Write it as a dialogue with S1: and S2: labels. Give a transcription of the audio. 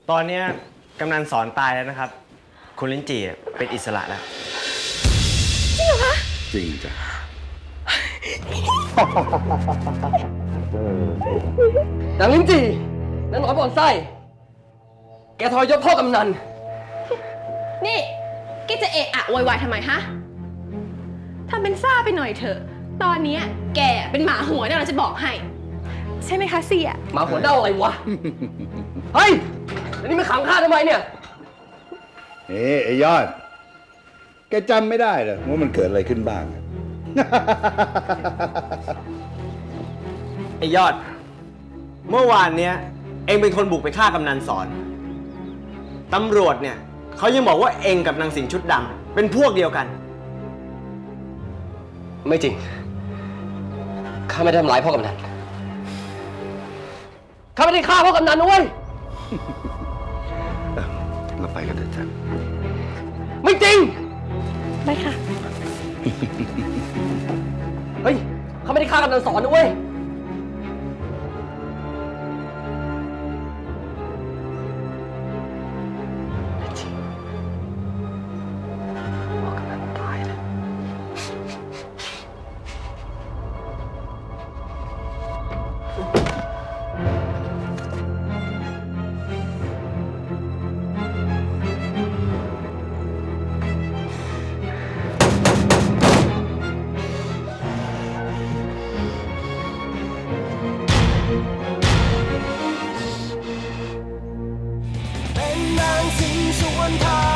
S1: ตอนเนี้ยกำนันสอนตายแล้วนะครับ คุณลิ้นจี่เป็นอิสระแล้ว
S2: จริงเหรอคะ
S3: จริงจ้ะ
S4: นางลิ้นจี่นางหนอนบ่อนไส้ แกทรยศพ่อกำนัน
S2: นี่แกจะเอะอะโวยวายทำไมฮะทำเป็นซ่าไปหน่อยเถอะ ตอนนี้แกเป็นหมาหัวเนี่ยเราจะบอกให้ ใช่ไหมคะเสีย
S4: หมาหัวเน่าอะไรวะ เฮ้ยแล้วนี่มาขังข้าทำไมเนี่ย
S3: ไอ้ยอด แกจำไม่ได้เหรอว่ามันเกิดอะไรขึ้นบ้าง
S1: ไอ้ยอด เมื่อวานเนี้ยเองเป็นคนบุกไปฆ่ากำนันสอน ตำรวจเนี่ยเขายังบอกว่าเองกับนางสิงห์ชุดดำเป็นพวกเดียวกัน
S4: ไม่จริง ข้าไม่ได้ทำร้ายพ่อกำนัน ข้าไม่ได้ฆ่าพ่อกำนันนะเว้ย
S3: เราไปกันเถอะจ้ะ
S4: ไม่จริง
S2: ไม่ค่ะ
S4: เฮ้ย ข้าไม่ได้ฆ่ากำนันสอนนะเว้ย ไม่จริง พ่อกำนันตายแล้ว
S5: เป็นนางสิงห์สวนทาง